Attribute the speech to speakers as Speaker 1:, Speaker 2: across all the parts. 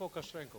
Speaker 1: pokaż ręką.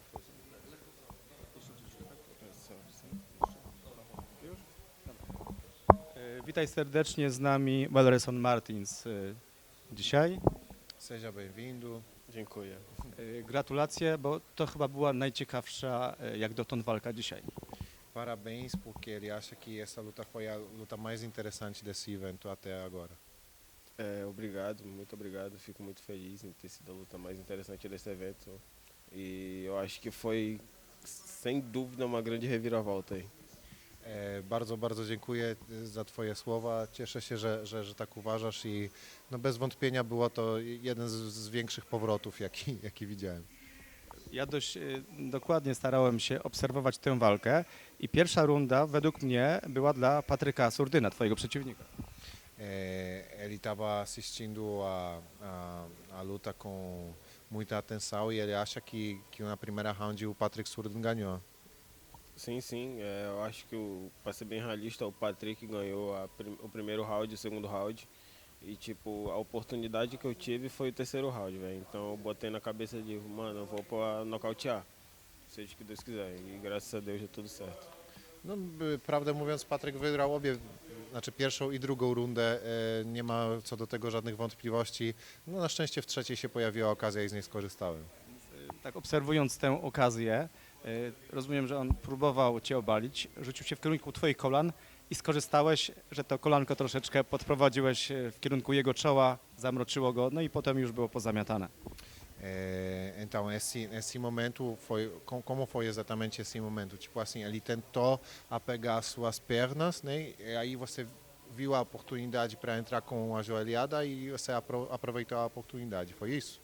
Speaker 1: Witaj serdecznie, z nami Welleson Martins dzisiaj.
Speaker 2: Seja bem-vindo.
Speaker 3: Dziękuję.
Speaker 1: Gratulacje, bo to chyba była najciekawsza jak dotąd walka dzisiaj.
Speaker 2: Parabéns, porque ele acha que essa luta foi a luta mais interessante desse evento até agora.
Speaker 3: Obrigado, muito obrigado. Fico muito feliz em ter sido a luta mais interessante desse evento. E eu acho que foi, sem dúvida, uma grande reviravolta aí.
Speaker 2: Bardzo, bardzo dziękuję za Twoje słowa. Cieszę się, że tak uważasz i no bez wątpienia było to jeden z większych powrotów, jaki widziałem.
Speaker 1: Ja dość dokładnie starałem się obserwować tę walkę i pierwsza runda według mnie była dla Patryka Surdyna, twojego przeciwnika.
Speaker 2: Ele estava assistindo a luta com muita atenção e ele acha que na primeira round o Patrick Surdin ganhou.
Speaker 3: Sim, sim. Eu acho que, para ser bem realista, o Patrick ganhou o primeiro round e o segundo round. E, tipo, a oportunidade que eu tive foi o terceiro round, velho. Então eu botei na cabeça de, mano, eu vou pra nocautear. Seja o que Deus quiser. E graças a Deus deu tudo certo.
Speaker 2: No, prawdę mówiąc, Patryk wygrał obie, znaczy pierwszą i drugą rundę. Nie ma co do tego żadnych wątpliwości. No, na szczęście w trzeciej się pojawiła okazja i z niej skorzystałem.
Speaker 1: Tak obserwując tę okazję, rozumiem, że on próbował cię obalić, rzucił się w kierunku twoich kolan i skorzystałeś, że to kolanko troszeczkę podprowadziłeś w kierunku jego czoła, zamroczyło go, no i potem już było pozamiatane.
Speaker 2: Então, esse momento foi. Como foi exatamente esse momento? Tipo assim, ele tentou apegar as suas pernas, né? E aí você viu a oportunidade para entrar com a joelhada e você aproveitou a oportunidade. Foi isso?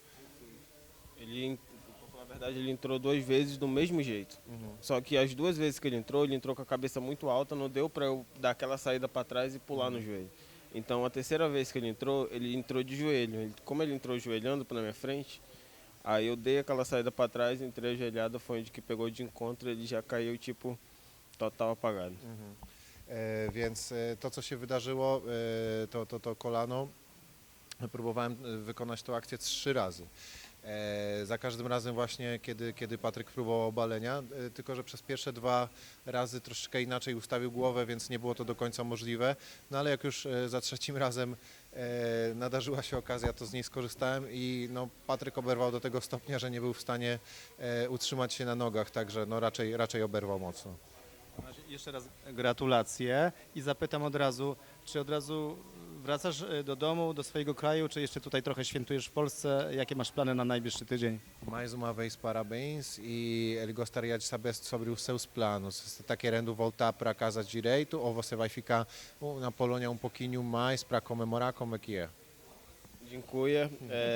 Speaker 3: Pra falar a verdade, ele entrou duas vezes do mesmo jeito. Só que as duas vezes que ele entrou com a cabeça muito alta, não deu para eu dar aquela saída para trás e pular no joelho. Então a terceira vez que ele entrou de joelho. Como ele entrou joelhando na minha frente, aí eu dei aquela saída para trás, entrei ajoelhado, foi onde que pegou de encontro, ele já caiu tipo total apagado.
Speaker 2: Więc to, co się wydarzyło, to kolano, próbowałem wykonać tę akcję 3 razy. Za każdym razem właśnie, kiedy Patryk próbował obalenia, tylko że przez pierwsze 2 razy troszeczkę inaczej ustawił głowę, więc nie było to do końca możliwe. No ale jak już za trzecim razem nadarzyła się okazja, to z niej skorzystałem i no, Patryk oberwał do tego stopnia, że nie był w stanie utrzymać się na nogach, także no, raczej oberwał mocno.
Speaker 1: Jeszcze raz gratulacje i zapytam od razu, czy od razu wracasz do domu, do swojego kraju, czy jeszcze tutaj trochę świętujesz w Polsce? Jakie masz plany na najbliższy tydzień?
Speaker 2: Mais uma vez, parabéns. E ele gostaria de saber sobre os seus planos. Você está querendo voltar para casa direito ou você vai ficar na Polônia pouquinho mais para comemorar? Como é que é?
Speaker 3: Dziękuję.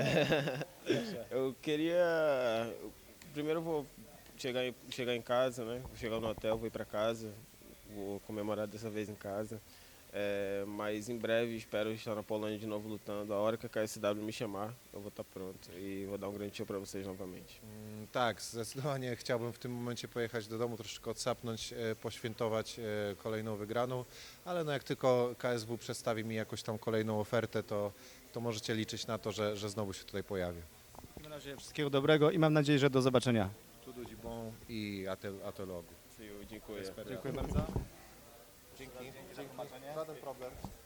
Speaker 3: Eu queria. Primeiro eu vou chegar em casa, né? Vou chegar no hotel, vou ir para casa, vou comemorar dessa vez em casa. Mas em breve espero estar na Polônia de novo lutando. A hora que a KSW me chamar, eu vou estar pronto e vou dar grande show para vocês novamente.
Speaker 2: Tak, zdecydowanie chciałbym w tym momencie pojechać do domu, troszeczkę odsapnąć, poświętować kolejną wygraną, ale no jak tylko KSW przedstawi mi jakąś tam kolejną ofertę, to możecie liczyć na to, że znowu się tutaj pojawię.
Speaker 1: W takim razie wszystkiego dobrego i mam nadzieję, że do zobaczenia.
Speaker 2: Tudo de bom i até logo.
Speaker 3: Dziękuję.
Speaker 1: Dziękuję bardzo.
Speaker 2: Dzięki. Żaden problem.